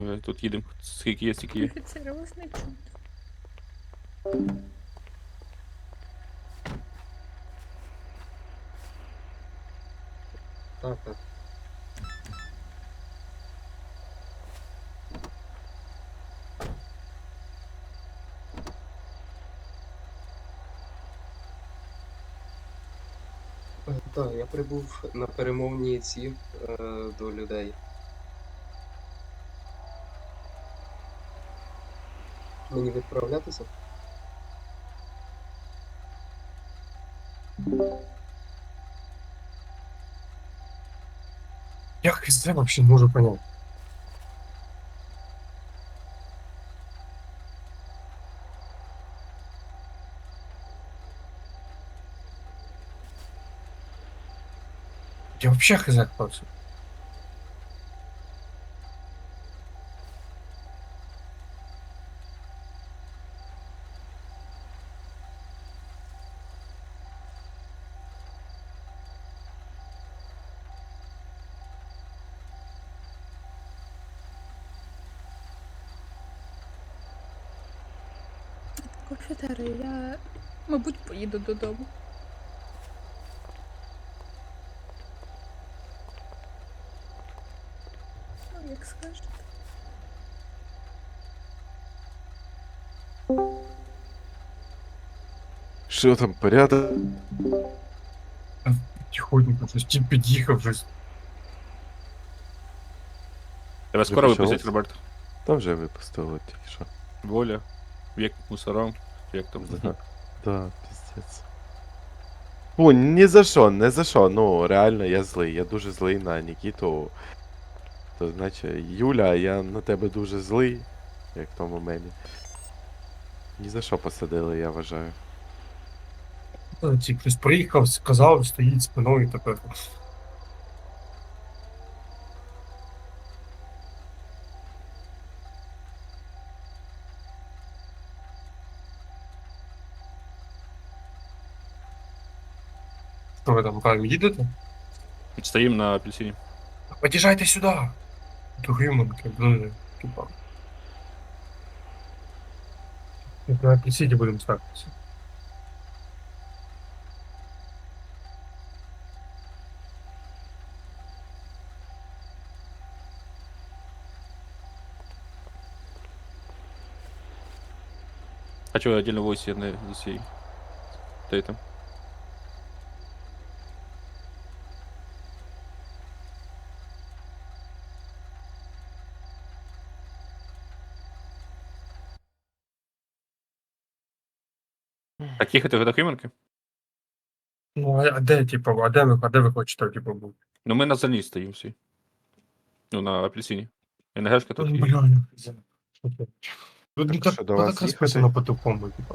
Тут їдемо. Скільки є, стільки є. Офіцери вас не чують. Так, так. Так, я прибув на перемовній ці до людей. Мені відправлятися? Я хз вообще не можу понять. Я вообще хз кто це. Офіцери, я, мабуть, поїду додому. Ну, як скажете. Що там, порядок? Тихонько, щось ті під'їхав щось. Тебе скоро Вже випустять, почалось? Роберт? Там вже випустили тільки що. Воля. Вік мусорам. Як там? Да, пиздец. Фу, ні за що, не за що. Ну, реально, я злий. Я дуже злий на Нікіту. То значить, Юля, я на тебе дуже злий, як в тому мемі. Ні за що посадили, я вважаю. Ті хтось приїхав, сказав, стоїть спиною тепер. Що ви там правильно їдете? Стоїмо на апельсині. Под'їжджайте сюди! До Гриманки, блин, типа. Як на апельсині будемо ставитися. А чого отдельно войсі не з усією? Ти там? Так їхати до Химанки? Ну, а де, типа, а де ви хочете, типу, бути? Ну ми на зерні стоїмо всі. Ну, на апельсині. НГшка тут є. Бля, я хз. Що це? Тут Так так, що, до тут вас так їхати? розписано по-тупому, типа.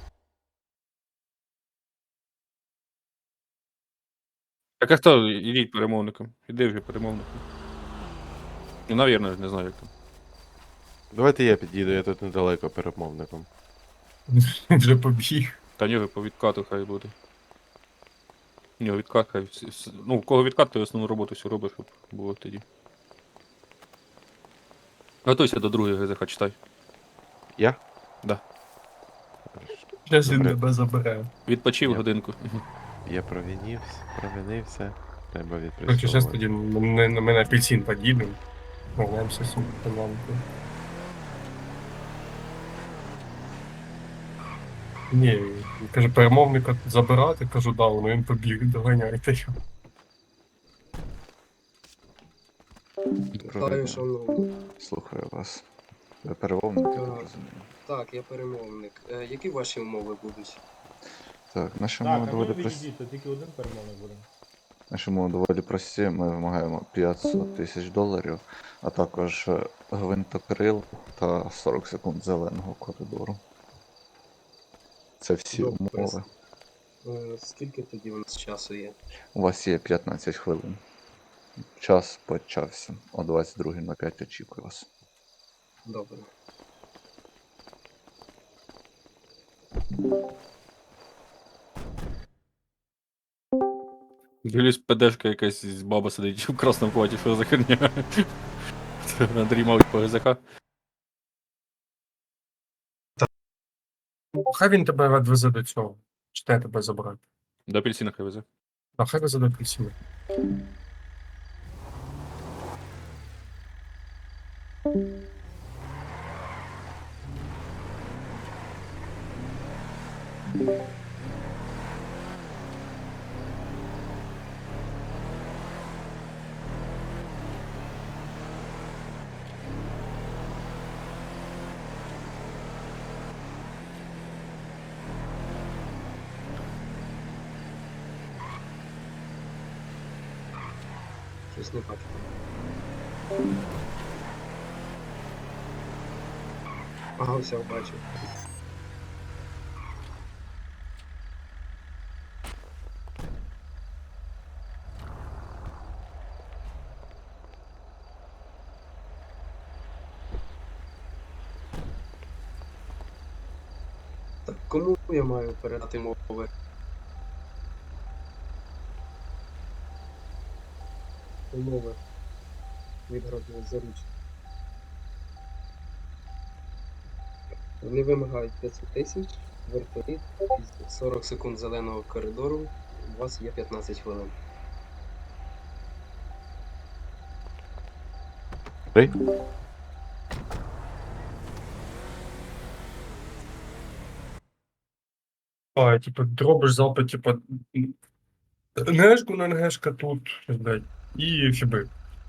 Так а хто? Ідіть перемовником. Іди вже перемовником. Ну, навірно, не знаю як там. Давайте я під'їду, я тут недалеко перемовником. Він вже побіг. Та ні, по відкату хай буде. Ні, відкат хай. Ну, у кого відкат, то основну роботу всю робиш, щоб було тоді. Готуйся до другої ГЗХ, читай. Я? Да. Зараз він Добре. тебе забере. Відпочив Ні. годинку. Я провинився. Треба Короче, зараз відпрацьовувати. тоді ми на апельсин під'їдемо. Повернемося з економікою. Ні, він каже, перемовника забирати, кажу, да, ну він побіг, доганяйте його. Вітаю, шановні. Слухаю вас. Ви перемовник, я так Так. розумію. Так, я перемовник. Які ваші умови будуть? Так, наші Так, умови а доволі ви прості. відійдіть, то тільки один перемовник буде. Наші умови доволі прості. Ми вимагаємо 500 тисяч доларів, а також гвинтокрил та 40 секунд зеленого коридору. Це всі Добре. умови. Скільки тоді у нас часу є? У вас є 15 хвилин. Час почався. О 22:05 очікую вас. Добре. Дивлюсь, ПДшка якась баба сидить в красному платі, що за херня. Андрій мовить по ГЗК. Хай він тебе відвезе до цього. Чи те тебе забрати? До апельсина хай везе. А хай везе до апельсина. Щось не бачу. Ага, все, бачу. Так, кому я маю передати мови? Умови від заручників. Вони вимагають 500 тисяч, вертоліт, 40 секунд зеленого коридору, у вас є 15 хвилин. Три? А, типу, робиш запит, типу, НГшку на НГшка тут, блядь, і фіби.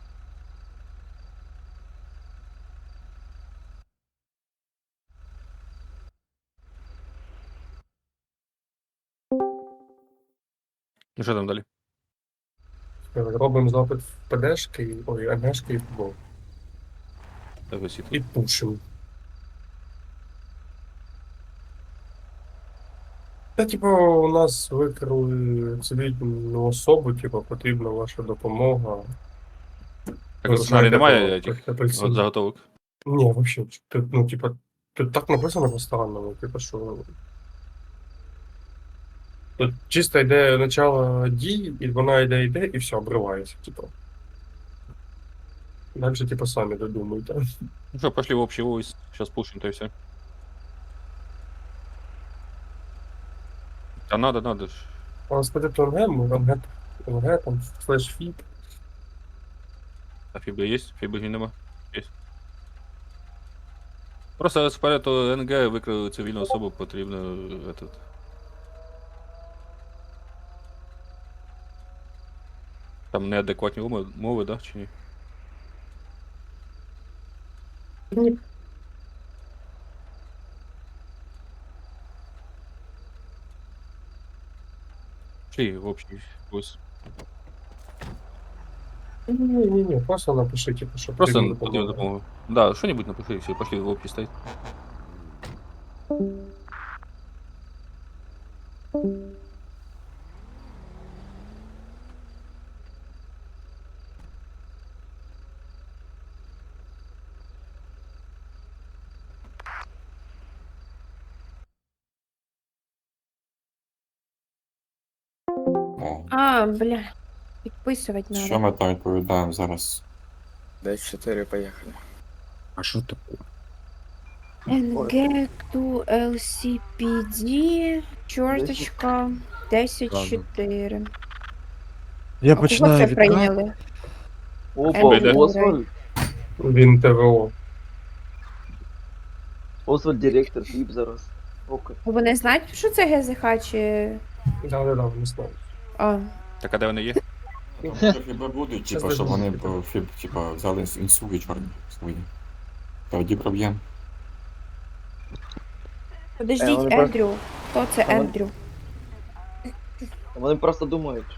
Ну що там далі? Робимо запит в ПДшки, ой, НГшки і футбол. Так, висіти. І пушимо. Та, типу, у нас викрили цивільну особу, типу, потрібна ваша допомога. Так, Ви в сценарії знаєте, немає про этих апельсин. заготовок. Ні, вообще, тут, ну, типа, тут так написано по-странному, типа, що. Тут чисто йде начало дії, і вона йде, і все, обривається, типа. Дальше, типа, самі додумуйте. Ну що, пошли в общий войс. Сейчас пушим, то и все. А надо ж. А господи, то НГ, там, флеш-фіп. А фібли є? Фібли нема? Є. Просто спереду НГ викрили цивільну особу, потрібно этот. Там неадекватні мови, да, чи ні? Ні. Пошли в общий войс. Ні, просто напиши, типу, що Просто потрібна потрібна допомога. допомога. Да, что-нибудь напиши, все, пошли в общий стоять. О, А, бля, підписувати що надо. ми там відповідаємо зараз? Десь 4 поїхали. А що таке? NG to LCPD, чорточка, 10-4. Я А кого починаю це відкат. прийняли? Опа, Ендрю Освальд? Грей. Він ТВО. Освальд директор, фіп зараз. Око. Вони знають, що це ГЗХ чи... Да, не знаю. А, Так, а де вони є? Там хіба будуть, Щас типа, щоб вони візьму. типа, взяли інсуги чорні свої. Тоді проб'єм. подождіть, вони просто- Ендрю. Хто це вони- Ендрю? Вони просто думають.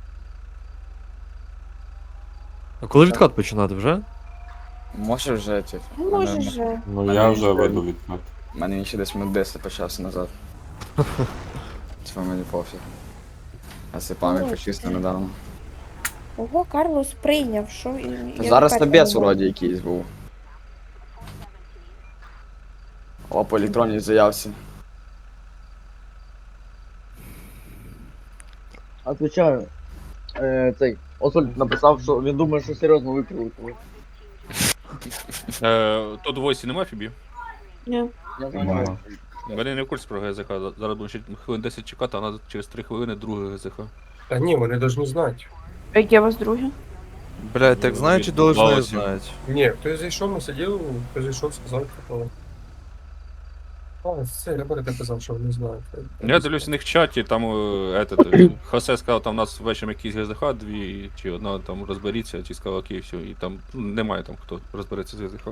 А коли відкат починати вже? Може вже ці. Ну, може же. Ну Мене я вже ще- веду відкат. У мене він ще десь минут 10 почався назад. Це мені пофіг. А це пам'ять Ой, почисто це- недавно. Ого, Карлос прийняв, що... я Зараз тепер тобець поняла. вроді якийсь був. О, по електронній заявці. Отвечаю. Цей Освальд написав, що він думає, що серйозно викрили. Тут в Войсі нема фібів? Ні. Нема. Вони не в курсі про ГЗХ. Зараз будемо ще хвилин 10 чекати, а треба через 3 хвилини друге ГЗХ. Та ні, вони повинні знати. А яке у вас друге? Блядь, так знають чи должны знать? Ні, хтось зайшов, ми сиділи, хтось зайшов, сказав, типу. А, це ребята казав, що вони знають. Я дивлюсь у них в чаті, там Хосе сказав, там у нас вечором якісь ГЗХ, дві чи одна там розберіться, чи сказав окей, все, і там немає там хто розбереться з ГЗХ.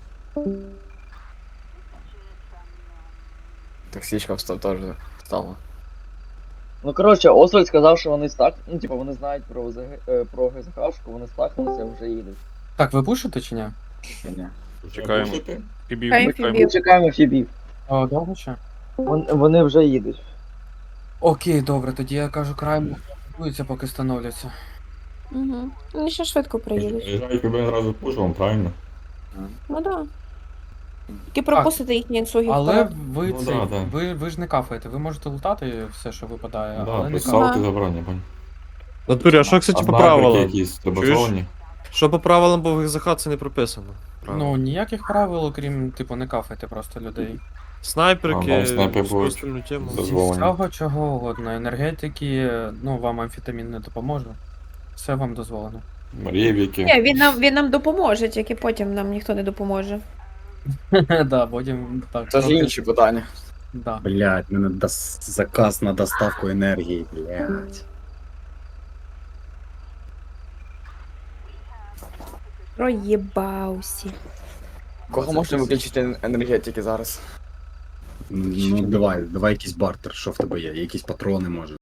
Таксичка теж стала. Ну коротше, Освальд сказав, що вони стак, ну типу вони знають про ГЗХшку, вони стакнулися, вже їдуть. Так, ви пушите чи ні? Ні. Чекаємо. Слушайте, Фібів, Хай чекаємо. Фібів. Чекаємо Фібів. О, довго ще? Вони вже їдуть. Окей, добре, тоді я кажу, краймо готуються, поки становляться. Угу. Вони ще швидко приїдуть. приїжджають КБ одразу пушимо, правильно? Ну да. Тільки пропустите їхні інсуги Але вперед. ви Ну це, да, да. ви ж не кафаєте, ви можете лутати все, що випадає, Да, але не без кафаєте. салки забрання, понял. Натурі, а що, кстати, А по снайперки правилам? якісь добазовані. Що по правилам, бо в ГЗХ це не прописано. Ну, ніяких правил, окрім, типу, не кафайте просто людей. Снайперки, А, да, снайпер будуть остальну тему. дозволені. Всього чого угодно. Енергетики, ну, вам амфетамін не допоможе. Все вам дозволено. Рєвіки. Ні, він нам допоможе, тільки потім нам ніхто не допоможе. Да, потім так. Це ж інші питання. Да. Блядь, мене заказ на доставку енергії, блядь. Проєбався. Кого можна виключити енергетики зараз? Ну давай якийсь бартер, що в тебе є? Якісь патрони може.